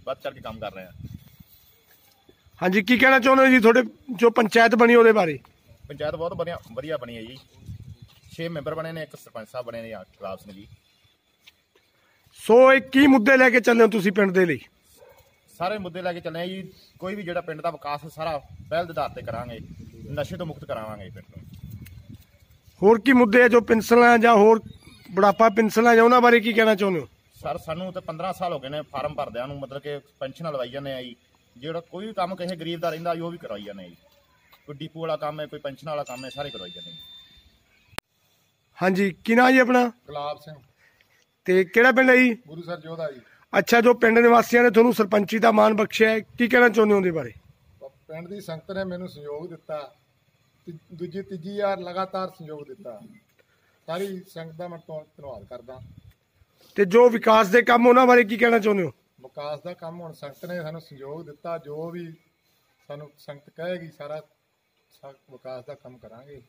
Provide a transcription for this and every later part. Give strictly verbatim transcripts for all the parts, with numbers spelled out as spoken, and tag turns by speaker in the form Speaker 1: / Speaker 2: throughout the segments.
Speaker 1: ਵੱਧ ਚੜ ਕੇ ਕੰਮ ਕਰ ਰਹੇ ਹਾਂ।
Speaker 2: ਹਾਂਜੀ, ਕੀ ਕਹਿਣਾ ਚਾਹੁੰਦੇ ਹੋ ਜੀ ਤੁਹਾਡੇ ਜੋ ਪੰਚਾਇਤ ਬਣੀ ਉਹਦੇ ਬਾਰੇ?
Speaker 1: ਪੰਚਾਇਤ ਬਹੁਤ ਵਧੀਆ ਵਧੀਆ ਬਣੀ ਹੈ ਜੀ। ਛੇ ਮੈਂਬਰ ਬਣੇ ਨੇ, ਇੱਕ ਸਰਪੰਚ ਸਾਹਿਬ ਬਣੇ ਨੇ ਗੁਲਾਬ ਸਿੰਘ ਜੀ।
Speaker 2: ਸੋ ਇਹ ਕੀ ਮੁੱਦੇ ਲੈ ਕੇ ਚੱਲੇ ਹੋ ਤੁਸੀਂ ਪਿੰਡ ਦੇ ਲਈ?
Speaker 1: ਸਾਰੇ ਮੁੱਦੇ ਲੈ ਕੇ ਚੱਲੇ ਜੀ। ਕੋਈ ਵੀ ਜਿਹੜਾ ਪਿੰਡ ਦਾ ਵਿਕਾਸ ਸਾਰਾ ਪਹਿਲ ਦੇ ਆਧਾਰ ਤੇ ਕਰਾਂਗੇ, ਨਸ਼ੇ ਤੋਂ ਮੁਕਤ ਕਰਾਵਾਂਗੇ ਪਿੰਡ ਨੂੰ।
Speaker 2: ਹੋਰ ਕੀ ਮੁੱਦੇ ਆ ਜੋ ਪੈਨਸ਼ਨਾਂ ਜਾਂ ਹੋਰ ਬੁਢਾਪਾ ਪੈਨਸ਼ਨਾਂ ਜਾਂ ਉਹਨਾਂ ਬਾਰੇ ਕੀ ਕਹਿਣਾ ਚਾਹੁੰਦੇ ਹੋ?
Speaker 1: ਸਰ ਸਾਨੂੰ ਤਾਂ ਪੰਦਰਾਂ ਸਾਲ ਹੋ ਗਏ ਨੇ ਫਾਰਮ ਭਰਦਿਆਂ ਨੂੰ, ਮਤਲਬ ਕਿ ਪੈਨਸ਼ਨਾਂ ਲਵਾਈ ਜਾਂਦੇ ਆ ਜੀ। ਜਿਹੜਾ ਕੋਈ ਵੀ ਕੰਮ ਕਿਸੇ ਗਰੀਬ ਦਾ ਰਹਿੰਦਾ ਉਹ ਵੀ ਕਰਵਾਈ ਜਾਂਦੇ ਜੀ। ਕੋਈ ਡੀਪੂ ਵਾਲਾ ਕੰਮ ਹੈ, ਕੋਈ ਪੈਨਸ਼ਨ ਵਾਲਾ ਕੰਮ ਹੈ, ਸਾਰੇ ਕਰਵਾਈ ਜਾਂਦੇ ਜੀ।
Speaker 2: ਹਾਂਜੀ, ਕੀ ਨਾਂ ਜੀ ਆਪਣਾ?
Speaker 3: ਗੁਲਾਬ ਸਿੰਘ।
Speaker 2: ਤੇ ਕਿਹੜਾ ਪਿੰਡ ਹੈ ਜੀ?
Speaker 3: ਗੁਰੂ ਸਰ ਜੋਧਾ ਜੀ।
Speaker 2: ਅੱਛਾ, ਜੋ ਪਿੰਡ ਨਿਵਾਸੀਆਂ ਨੇ ਤੁਹਾਨੂੰ ਸਰਪੰਚੀ ਦਾ ਮਾਣ ਬਖਸ਼ਿਆ ਹੈ, ਕੀ ਕਹਿਣਾ ਚਾਹੁੰਦੇ ਹੋ ਉਹਦੇ ਬਾਰੇ?
Speaker 3: ਪਿੰਡ ਦੀ ਸੰਗਤ ਨੇ ਮੈਨੂੰ ਸਹਿਯੋਗ ਦਿੱਤਾ, ਦੂਜੀ ਤੀਜੀ ਵਾਰ ਲਗਾਤਾਰ ਸਹਿਯੋਗ ਦਿੱਤਾ। ਸਾਰੀ ਸੰਗਤ ਦਾ ਮੈਂ ਧੰਨਵਾਦ ਕਰਦਾ।
Speaker 2: ਤੇ ਜੋ ਵਿਕਾਸ ਦੇ ਕੰਮ ਉਹਨਾਂ ਬਾਰੇ ਕੀ ਕਹਿਣਾ ਚਾਹੁੰਦੇ ਹੋ?
Speaker 3: ਵਿਕਾਸ ਦਾ ਕੰਮ ਹੁਣ ਸੰਗਤ ਨੇ ਸਾਨੂੰ ਸਹਿਯੋਗ ਦਿੱਤਾ, ਜੋ ਵੀ ਸਾਨੂੰ ਸੰਗਤ ਕਹੇਗੀ ਸਾਰਾ ਵਿਕਾਸ ਦਾ ਕੰਮ ਕਰਾਂਗੇ।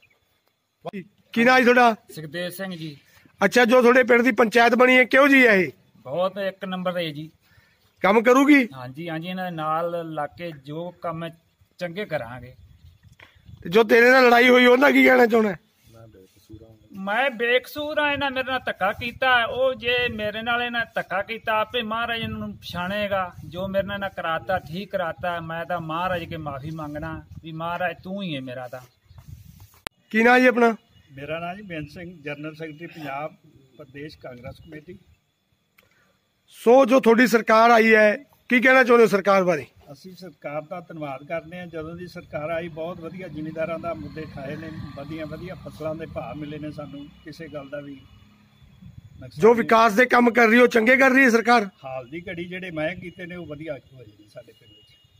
Speaker 2: ਕੀ ਨਾਂ ਜੀ ਤੁਹਾਡਾ?
Speaker 4: ਸੁਖਦੇਵ ਸਿੰਘ ਜੀ।
Speaker 2: ਅੱਛਾ, ਜੋ ਤੁਹਾਡੇ ਪਿੰਡ ਦੀ ਪੰਚਾਇਤ ਬਣੀ ਹੈ ਕਿਹੋ ਜੀ ਹੈ ਇਹ?
Speaker 4: ਬਹੁਤ ਇੱਕ ਨੰਬਰ ਹੈ ਜੀ।
Speaker 2: ਕੰਮ ਕਰੂਗੀ?
Speaker 4: ਹਾਂਜੀ ਹਾਂਜੀ, ਇਹਨਾਂ ਦੇ ਨਾਲ ਲੱਗ ਕੇ ਜੋ ਕੰਮ ਚੰਗੇ ਕਰਾਂਗੇ।
Speaker 2: ਜੋ ਤੇਰੇ ਨਾਲ ਲੜਾਈ ਹੋਈ ਉਹਦਾ ਕੀ ਕਹਿਣਾ ਚਾਹੁੰਦਾ?
Speaker 4: ਮੈਂ ਬੇਕਸੂਰ ਆ, ਇਹਨਾਂ ਮੇਰੇ ਨਾਲ ਧੱਕਾ ਕੀਤਾ। ਉਹ ਜੇ ਮੇਰੇ ਨਾਲ ਇਹਨਾਂ ਧੱਕਾ ਕੀਤਾ, ਆਪੇ ਮਹਾਰਾਜ ਨੂੰ ਪਛਾਣੇਗਾ। ਜੋ ਮੇਰੇ ਨਾਲ ਕਰਾਤਾ ਠੀਕ ਕਰਾਤਾ। ਮੈਂ ਤਾਂ ਮਹਾਰਾਜ ਕੇ ਮਾਫੀ ਮੰਗਣਾ ਵੀ ਮਹਾਰਾਜ ਤੂੰ ਹੀ ਹੈ ਮੇਰਾ। ਤਾਂ
Speaker 2: ਕੀ ਨਾਂ ਜੀ ਆਪਣਾ?
Speaker 5: ਮੇਰਾ ਨਾਮ ਜੀ Beant Singh, general secretary Punjab Pradesh Congress committee.
Speaker 2: So ਜੋ ਤੁਹਾਡੀ ਸਰਕਾਰ ਆਈ ਹੈ ਕੀ ਕਹਿਣਾ ਚਾਹੁੰਦੇ ਹੋ ਸਰਕਾਰ ਬਾਰੇ?
Speaker 5: ਅਸੀਂ ਸਰਕਾਰ ਦਾ ਧੰਨਵਾਦ ਕਰਦੇ ਹਾਂ। ਜਦੋਂ ਦੀ ਸਰਕਾਰ ਆਈ ਬਹੁਤ ਵਧੀਆ ਜ਼ਿਮੀਂਦਾਰਾਂ ਦਾ ਮੁੱਦੇ ਠਾਏ ਨੇ, ਵਧੀਆ ਵਧੀਆ ਫਸਲਾਂ ਦੇ ਭਾਅ ਮਿਲੇ ਨੇ। ਸਾਨੂੰ ਕਿਸੇ ਗੱਲ ਦਾ ਵੀ
Speaker 2: ਜੋ ਵਿਕਾਸ ਦੇ ਕੰਮ ਕਰ ਰਹੀ ਉਹ ਚੰਗੇ ਕਰ ਰਹੀ ਹੈ ਸਰਕਾਰ।
Speaker 5: ਹਾਲ ਦੀ ਘੜੀ ਜਿਹੜੇ ਮੈਂ ਕੀਤੇ ਨੇ ਉਹ ਵਧੀਆ ਹੋਏ ਨੇ ਸਾਡੇ ਪਿੰਡ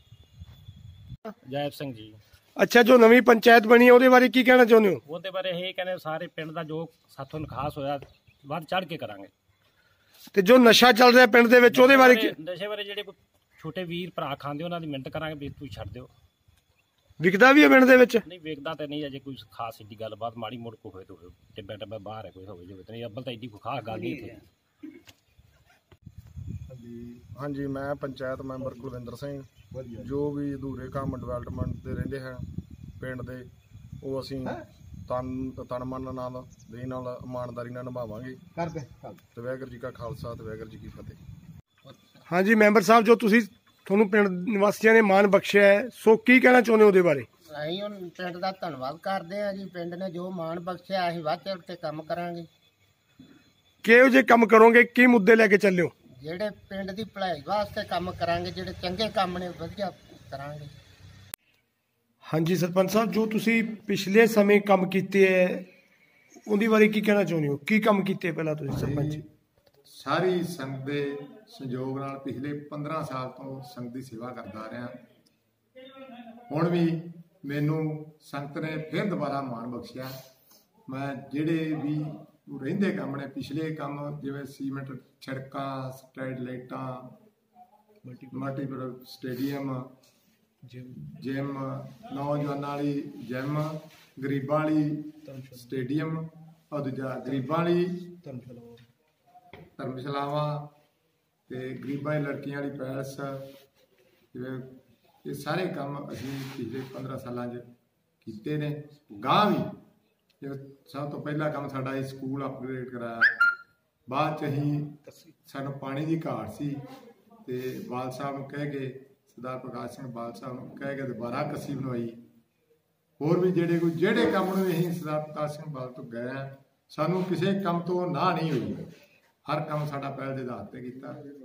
Speaker 5: ਵਿੱਚ।
Speaker 6: ਜੈਬ ਸਿੰਘ ਜੀ।
Speaker 2: ਅੱਛਾ, ਜੋ ਨਵੀਂ ਪੰਚਾਇਤ ਬਣੀ ਹੈ ਉਹਦੇ ਬਾਰੇ ਕੀ ਕਹਿਣਾ ਚਾਹੁੰਦੇ ਹੋ?
Speaker 6: ਉਹਦੇ ਬਾਰੇ ਇਹ ਕਹਿੰਦੇ ਸਾਰੇ ਪਿੰਡ ਦਾ ਜੋ ਸਾਥੋਂ ਨਿਕਾਸ ਹੋਇਆ ਵੱਧ ਚੜ ਕੇ ਕਰਾਂਗੇ।
Speaker 2: ਤੇ ਜੋ ਨਸ਼ਾ ਚੱਲ ਰਿਹਾ ਪਿੰਡ ਦੇ ਵਿੱਚ ਉਹਦੇ ਬਾਰੇ ਕੀ?
Speaker 6: ਨਸ਼ੇ ਬਾਰੇ ਜਿਹੜੇ ਕੋਈ ਛੋਟੇ ਵੀਰ ਭਰਾ ਖਾਂਦੇ ਉਹਨਾਂ ਦੀ ਮਿਹਨਤ ਕਰਾਂਗੇ ਵੀ ਤੁਸੀਂ ਛੱਡ ਦਿਓ।
Speaker 2: ਵਿਕਦਾ ਵੀ ਹੈ ਪਿੰਡ ਦੇ ਵਿੱਚ?
Speaker 6: ਨਹੀਂ ਵੇਖਦਾ ਤੇ ਨਹੀਂ ਅਜੇ ਕੋਈ ਖਾਸ ਏਡੀ ਗੱਲਬਾਤ, ਮਾੜੀ ਮੋੜ ਕੋ ਹੋਏ ਤਾਂ ਹੋਏ, ਟਿੱਬੇ ਟੱਬੇ ਬਾਹਰ ਹੈ ਕੋਈ ਹੋਵੇ ਜੋ ਨਹੀਂ, ਅੱਬਲ ਤਾਂ ਏਡੀ ਕੋਈ ਖਾਸ ਗੱਲ ਨਹੀਂ ਇੱਥੇ।
Speaker 3: ਹਾਂਜੀ, ਮੈਂ ਪੰਚਾਇਤ ਮੈਂਬਰ ਕੁਲਵਿੰਦਰ ਸਿੰਘ। ਜੋ ਵੀ ਅਧੂਰੇ ਕੰਮ ਡਿਵੈਲਪਮੈਂਟ ਦੇ ਰਹਿੰਦੇ ਹਨ ਪਿੰਡ ਦੇ, ਉਹ ਅਸੀਂ ਤਨ ਤਨ ਮਨ ਨਾਲ ਦੇ ਨਾਲ ਇਮਾਨਦਾਰੀ ਨਾਲ ਨਿਭਾਵਾਂਗੇ। ਤੇ ਵਾਹਿਗੁਰੂ ਜੀ ਕਾ ਖਾਲਸਾ ਤੇ ਵਾਹਿਗੁਰੂ ਜੀ ਕੀ ਫਤਿਹ।
Speaker 2: ਹਾਂਜੀ ਮੈਂਬਰ ਸਾਹਿਬ, ਜੋ ਤੁਸੀਂ ਤੁਹਾਨੂੰ ਪਿੰਡ ਨਿਵਾਸੀਆਂ ਨੇ ਮਾਣ ਬਖਸ਼ਿਆ ਹੈ, ਸੋ ਕੀ ਕਹਿਣਾ ਚਾਹੁੰਦੇ ਹੋ ਉਹਦੇ ਬਾਰੇ?
Speaker 7: ਅਸੀਂ ਹੁਣ ਪਿੰਡ ਦਾ ਧੰਨਵਾਦ ਕਰਦੇ ਹਾਂ ਜੀ। ਪਿੰਡ ਨੇ ਜੋ ਮਾਣ ਬਖਸ਼ਿਆ ਅਸੀਂ ਵੱਧ ਚੜ੍ਹ ਕੇ ਕੰਮ ਕਰਾਂਗੇ।
Speaker 2: ਕਿਹੋ ਜਿਹੇ ਕੰਮ ਕਰੋਗੇ, ਕੀ ਮੁੱਦੇ ਲੈ ਕੇ ਚੱਲਿਓ?
Speaker 7: ਜਿਹੜੇ ਪਿੰਡ ਦੀ ਭਲਾਈ ਵਾਸਤੇ ਕੰਮ ਕਰਾਂਗੇ, ਜਿਹੜੇ ਚੰਗੇ ਕੰਮ ਨੇ ਵਧੀਆ ਕਰਾਂਗੇ।
Speaker 2: ਹਾਂਜੀ ਸਰਪੰਚ ਸਾਹਿਬ, ਜੋ ਤੁਸੀਂ ਪਿਛਲੇ ਸਮੇਂ ਕੰਮ ਕੀਤੇ ਹੈ ਉਹਦੇ ਬਾਰੇ ਕੀ ਕਹਿਣਾ ਚਾਹੁੰਦੇ ਹੋ? ਕੀ ਕੰਮ ਕੀਤੇ ਪਹਿਲਾਂ ਤੁਸੀਂ ਸਰਪੰਚ?
Speaker 3: ਸਾਰੀ ਸੰਗਤ ਦੇ ਸਹਿਯੋਗ ਨਾਲ ਪਿਛਲੇ ਪੰਦਰਾਂ ਸਾਲ ਤੋਂ ਸੰਗਤ ਦੀ ਸੇਵਾ ਕਰਦਾ ਰਿਹਾ। ਹੁਣ ਵੀ ਮੈਨੂੰ ਸੰਗਤ ਨੇ ਫਿਰ ਦੁਬਾਰਾ ਮਾਣ ਬਖਸ਼ਿਆ। ਮੈਂ ਜਿਹੜੇ ਵੀ ਰਹਿੰਦੇ ਕੰਮ ਨੇ, ਪਿਛਲੇ ਕੰਮ ਜਿਵੇਂ ਸੀਮੈਂਟ ਸੜਕਾਂ, ਸਟਰੀਟ ਲਾਈਟਾਂ, ਮਲਟੀਪਲ ਸਟੇਡੀਅਮ, ਜਿਮ, ਨੌਜਵਾਨਾਂ ਵਾਲੀ ਜਿਮ, ਗਰੀਬਾਂ ਵਾਲੀ ਸਟੇਡੀਅਮ, ਔਰ ਦੂਜਾ ਗਰੀਬਾਂ ਵਾਲੀ ਧਰਮਸ਼ਾਲਾਵਾਂ ਤੇ ਗਰੀਬਾਂ ਦੀ ਲੜਕੀਆਂ ਵਾਲੀ ਪੈਲਸ, ਜਿਵੇਂ ਇਹ ਸਾਰੇ ਕੰਮ ਅਸੀਂ ਪਿਛਲੇ ਪੰਦਰਾਂ ਸਾਲਾਂ 'ਚ ਕੀਤੇ ਨੇ। ਗਾਂਹ ਵੀ ਸਭ ਤੋਂ ਪਹਿਲਾ ਕੰਮ ਸਾਡਾ ਇਹ ਸਕੂਲ ਅਪਗ੍ਰੇਡ ਕਰਾਇਆ। ਬਾਅਦ 'ਚ ਅਸੀਂ ਸਾਨੂੰ ਪਾਣੀ ਦੀ ਘਾਟ ਸੀ ਤੇ ਬਾਲ ਸਾਹਿਬ ਨੂੰ ਕਹਿ ਕੇ, ਸਰਦਾਰ ਪ੍ਰਕਾਸ਼ ਸਿੰਘ ਬਾਲ ਸਾਹਿਬ ਨੂੰ ਕਹਿ ਕੇ ਦੁਬਾਰਾ ਕੱਸੀ ਬਣਵਾਈ। ਹੋਰ ਵੀ ਜਿਹੜੇ ਕੋਈ ਜਿਹੜੇ ਕੰਮ ਨੂੰ ਅਸੀਂ ਸਰਦਾਰ ਪ੍ਰਕਾਸ਼ ਸਿੰਘ ਬਾਲ ਤੋਂ ਗਏ ਹਾਂ, ਸਾਨੂੰ ਕਿਸੇ ਕੰਮ ਤੋਂ ਨਾ ਨਹੀਂ ਹੋਈ। ਹਰ ਕੰਮ ਸਾਡਾ ਪਹਿਲ ਦੇ ਆਧਾਰ ਤੇ ਕੀਤਾ।